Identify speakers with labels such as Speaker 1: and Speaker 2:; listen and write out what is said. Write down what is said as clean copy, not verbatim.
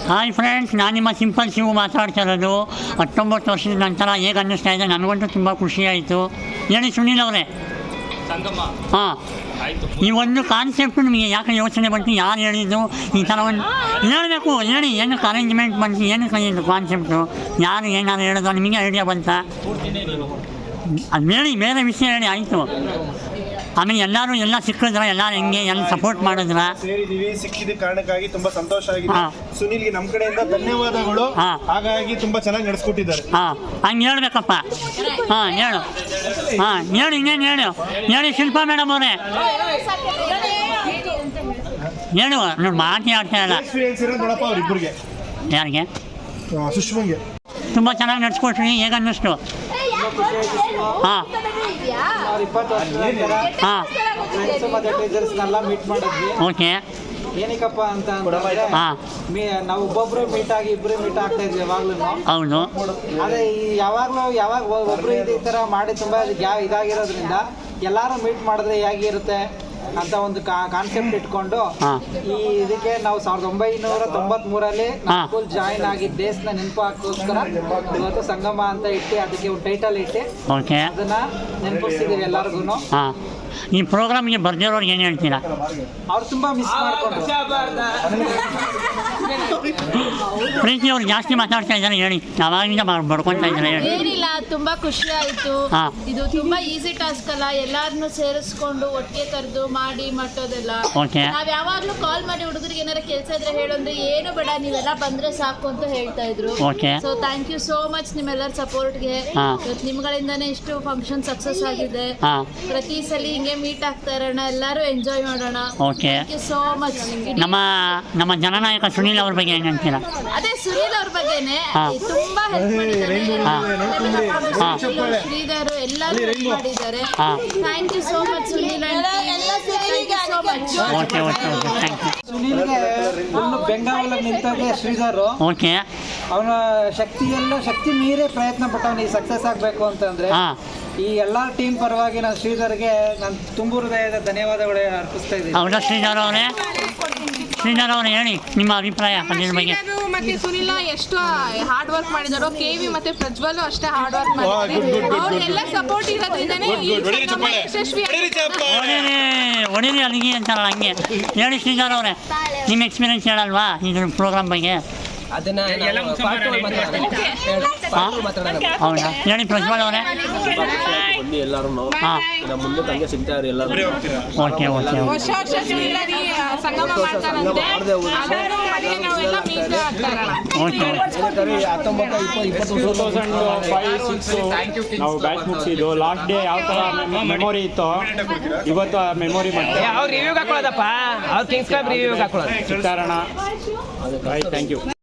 Speaker 1: Hi friends, ನಾನು ನಿಮ್ಮ simple Shivu ಮಾತಾಡ್ತಾ ಇರೋದು. 19 ವರ್ಷದ ನಂತರ ಹೇಗೆ ಅನ್ನಿಸ್ತಾ ಇದೆ? ನನಗಂತೂ ತುಂಬ ಖುಷಿಯಾಯಿತು. ಹೇಳಿ ಸುನೀಲ್ ಅವರೇ. ಹಾಂ, ಈ ಒಂದು ಕಾನ್ಸೆಪ್ಟು ನಿಮಗೆ ಯಾಕೆ ಯೋಚನೆ ಬಂತು? ಯಾರು ಹೇಳಿದ್ದು ಈ ಥರ ಒಂದು ಹೇಳಬೇಕು? ಹೇಳಿ, ಏನಕ್ಕೆ ಅರೇಂಜ್ಮೆಂಟ್ ಬಂತು, ಏನಕ್ಕೆ ಇದು ಕಾನ್ಸೆಪ್ಟು? ಯಾರು ಏನಾದ್ರು ಹೇಳಿದ್ರು? ನಿಮಗೆ ಐಡಿಯಾ ಬಂತಾ? ಅದು ಹೇಳಿ, ಬೇರೆ ವಿಷಯ ಹೇಳಿ. ಆಯಿತು. ಆಮೇಲೆ ಎಲ್ಲ ಸಿಕ್ಕಿದ್ರ, ಎಲ್ಲರೂ ಹೆಂಗೆ ಎಲ್ಲ ಸಪೋರ್ಟ್ ಮಾಡಿದ್ರ?
Speaker 2: ಸೇರಿದೀವಿ, ಸಿಕ್ಕಿದ ಕಾರಣಕ್ಕಾಗಿ ತುಂಬಾ ಸಂತೋಷ ಆಗಿದೆ. ಸುನೀಲ್ಗೆ ನಮ್ಮ ಕಡೆಯಿಂದ ಧನ್ಯವಾದಗಳು. ಹಾಗಾಗಿ ತುಂಬಾ ಚೆನ್ನಾಗಿ ನಡೆಸ್ಕೊಟ್ಟಿದ್ದಾರೆ.
Speaker 1: ಹಂಗೆ ಹೇಳ್ಬೇಕಪ್ಪ. ಹೇಳು. ಹೇಳು, ಇನ್ನೇನು ಹೇಳಿ ಶಿಲ್ಪಾ ಮೇಡಮ್ ಅವರೇ. ಹೇಳು, ನೋಡಿ ಮಾತಿ ಆಡ್ತಾ ಇಲ್ಲ.
Speaker 2: ಎಕ್ಸ್ಪೀರಿಯನ್ಸ್ ಇರೋ ನೋಡಪ್ಪ ಅವ್ರಿಬ್ಬರಿಗೆ.
Speaker 1: ಯಾರಿಗೆ?
Speaker 2: ಸುಷ್ಮಂಗೆ
Speaker 1: ತುಂಬ ಚೆನ್ನಾಗಿ ನಡೆಸ್ಕೊಟ್ರಿ. ಹೇಗೆ ಅನ್ನಿಸ್ತು?
Speaker 3: ಮೀಟ್ ಮಾಡಿದ್ವಿ.
Speaker 1: ಓಕೆ.
Speaker 3: ಏನಕ್ಕಪ್ಪ ಅಂತ ನಾವು ಒಬ್ಬೊಬ್ರು ಮೀಟ್ ಆಗಿ ಇಬ್ಬರು ಮೀಟ್ ಆಗ್ತಾ ಇದ್ವಿ ಯಾವಾಗ್ಲೂ.
Speaker 1: ಹೌದು.
Speaker 3: ಅದೇ ಯಾವಾಗ ಒಬ್ರು ಈ ತರ ಮಾಡಿ ತುಂಬಾ ಇದಾಗಿರೋದ್ರಿಂದ ಎಲ್ಲಾರು ಮೀಟ್ ಮಾಡಿದ್ರೆ ಹೇಗಿರುತ್ತೆ ಅಂತ ಒಂದು ಕಾನ್ಸೆಪ್ಟ್ ಇಟ್ಕೊಂಡು ಈ ಇದಕ್ಕೆ ನಾವು 1993 ಸ್ಕೂಲ್ ಜಾಯಿನ್ ಆಗಿದ್ದ ಡೇಸ್ನ ನೆನಪು ಹಾಕೋಸ್ಕರ ಇವತ್ತು ಸಂಗಮ ಅಂತ ಇಟ್ಟು ಅದಕ್ಕೆ ಒಂದು ಟೈಟಲ್ ಇಟ್ಟು ಅದನ್ನ ನೆನಪಿಸ್ತಿದೀವಿ ಎಲ್ಲರಿಗೂ.
Speaker 1: ಈ ಪ್ರೋಗ್ರಾಮ್ಗೆ ಬರ್ದಿರೋರ್ಗೆ ಏನು ಹೇಳ್ತೀರಾ?
Speaker 3: ಅವ್ರು ತುಂಬಾ ಮಿಸ್ ಮಾಡ್ಕೊಂಡು
Speaker 1: ಪ್ರೀತಿ ಅವ್ರು ಜಾಸ್ತಿ ಮಾತಾಡ್ತಾ ಇದ್ದಾರೆ. ಹೇಳಿ, ಯಾವಾಗಿಂದ ಬಡ್ಕೊತಾ ಇದ್ದಾರೆ? ಹೇಳಿ.
Speaker 4: ಏನಿಲ್ಲ, ತುಂಬಾ ಖುಷಿ ಆಯ್ತು. ಇದು ತುಂಬಾ ಈಸಿ ಟಾಸ್ಕ್ ಅಲ್ಲ, ಎಲ್ಲಾರನ್ನು ಸೇರಿಸ್ಕೊಂಡು ಒಟ್ಟಿಗೆ ಕರೆದು ಮಾಡಿ ಮಟ್ಟೋದೆಲ್ಲ. ನಾವ್ ಯಾವಾಗ್ಲೂ ಕಾಲ್ ಮಾಡಿ ಹುಡುಗರಿಗೆ ಏನಾರ ಕೆಲಸ ಇದ್ರೆ ಹೇಳಂದ್ರೆ ಏನು ಬೇಡ, ನೀವೆಲ್ಲ ಬಂದ್ರೆ ಸಾಕು ಅಂತ ಹೇಳ್ತಾ ಇದ್ರು. So thank you so much ನಿಮ್ಮೆಲ್ಲರ ಸಪೋರ್ಟ್ಗೆ. ನಿಮ್ಗಳಿಂದಾನೇ ಇಷ್ಟು ಫಂಕ್ಷನ್ ಸಕ್ಸಸ್ ಆಗಿದೆ. ಪ್ರತಿ ಸಲ ಹಿಂಗೆ ಮೀಟ್ ಆಗ್ತಾ ಇರೋಣ, ಎಲ್ಲರೂ ಎಂಜಾಯ್ ಮಾಡೋಣ. Thank you so much.
Speaker 1: ನಮ್ಮ ಜನನಾಯಕ ಸುನೀಲ್ ಅವ್ರ ಬಗ್ಗೆ ಏನು ಹೇಳ್ತೀರಾ?
Speaker 4: ಅದೇ ಸುನೀಲ್ ಅವ್ರ ಬಗ್ಗೆನೆ ತುಂಬಾ ಹೆಲ್ಪ್ ಮಾಡಿದ್ದಾರೆ. ಶ್ರೀಧರ್ ಎಲ್ಲರೂ ಹೆಲ್ಪ್ ಮಾಡಿದ್ದಾರೆ. Thank you so much Sunil.
Speaker 3: ಸುನೀಲ್ಗೆ ಫುಲ್ ಬೆಂಗಾವಲ ನಿಂತಾಗೆ ಶ್ರೀಧರ್. ಅವನ ಶಕ್ತಿ ಮೀರೇ ಪ್ರಯತ್ನ ಪಟ್ಟವನು ಈ ಸಕ್ಸಸ್ ಆಗಬೇಕು ಅಂತಂದ್ರೆ. ಈ ಎಲ್ಲ ಟೀಮ್ ಪರವಾಗಿ ನಾನು ಶ್ರೀಧರ್ಗೆ ನಾನು ತುಂಬು ಹೃದಯದ ಧನ್ಯವಾದಗಳು ಅರ್ಪಿಸ್ತಾ ಇದ್ದೀನಿ.
Speaker 1: ಹೌದಾ ಶ್ರೀಧರ್ ಅವರೇ, ಹೇಳಿ ನಿಮ್ಮ ಅಭಿಪ್ರಾಯ ಅದ್ರ ಬಗ್ಗೆ.
Speaker 5: ಮತ್ತೆ ಸುನಿಲ್ ಎಷ್ಟು ಹಾರ್ಡ್ ವರ್ಕ್ ಮಾಡಿದಾರೋ, ಕೆವಿ ಮತ್ತೆ ಪ್ರಜ್ವಲ್ ಅಷ್ಟೇ ಹಾರ್ಡ್ ವರ್ಕ್ ಮಾಡಿದ್ದಾರೆ. ಅವ್ರೆಲ್ಲ ಸಪೋರ್ಟ್ ಇರೋದ್ರಿಂದನೇ ಯಶಸ್ವಿ.
Speaker 1: ಒಡೀರಿ ಅಲ್ಲಿಗೆ ಅಂತಾರಲ್ಲ ಹಂಗೆ. ಹೇಳಿ ಶ್ರೀಧರ್ ಅವರೇ, ನಿಮ್ಮ ಎಕ್ಸ್ಪೀರಿಯನ್ಸ್ ಹೇಳಲ್ವಾ ಇದ್ರ ಪ್ರೋಗ್ರಾಮ್ ಬಗ್ಗೆ?
Speaker 6: ಅದನ್ನ
Speaker 1: ಹೌದಾ? ಹೇಳಿ ಪ್ರಜ್ವಲ್ ಅವರೇ.
Speaker 6: ಎಲ್ಲರೂ ಮುಂದೆ ತಂಗೆ ಸಿಗ್ತಾರೆ ಎಲ್ಲರೂ.
Speaker 1: ಓಕೆ.
Speaker 5: ವರ್ಷ ಸಂಗಮ ಮಾಡ್ತಾರಂತೆ.
Speaker 7: ನಾವು ಬ್ಯಾಚ್ ಮುಗಿಸಿದ್ದು ಲಾಸ್ಟ್ ಡೇ ಯಾವ ಥರ ಮೆಮೊರಿ ಇತ್ತು ಇವತ್ತು ಮೆಮೊರಿ ಮಾಡ್ತೀವಿ.
Speaker 6: ಅವ್ರು ರಿವ್ಯೂಗೆ ಹಾಕೊಳ್ಳೋದಪ್ಪ, ಅವ್ರು ಕಿಂಗ್ಸ್ ಕ್ಲಬ್ ರಿವ್ಯೂಗೆ ಹಾಕೊಳ್ಳೋದು.
Speaker 7: ಸಿಗ್ತಾರಣ. Thank you.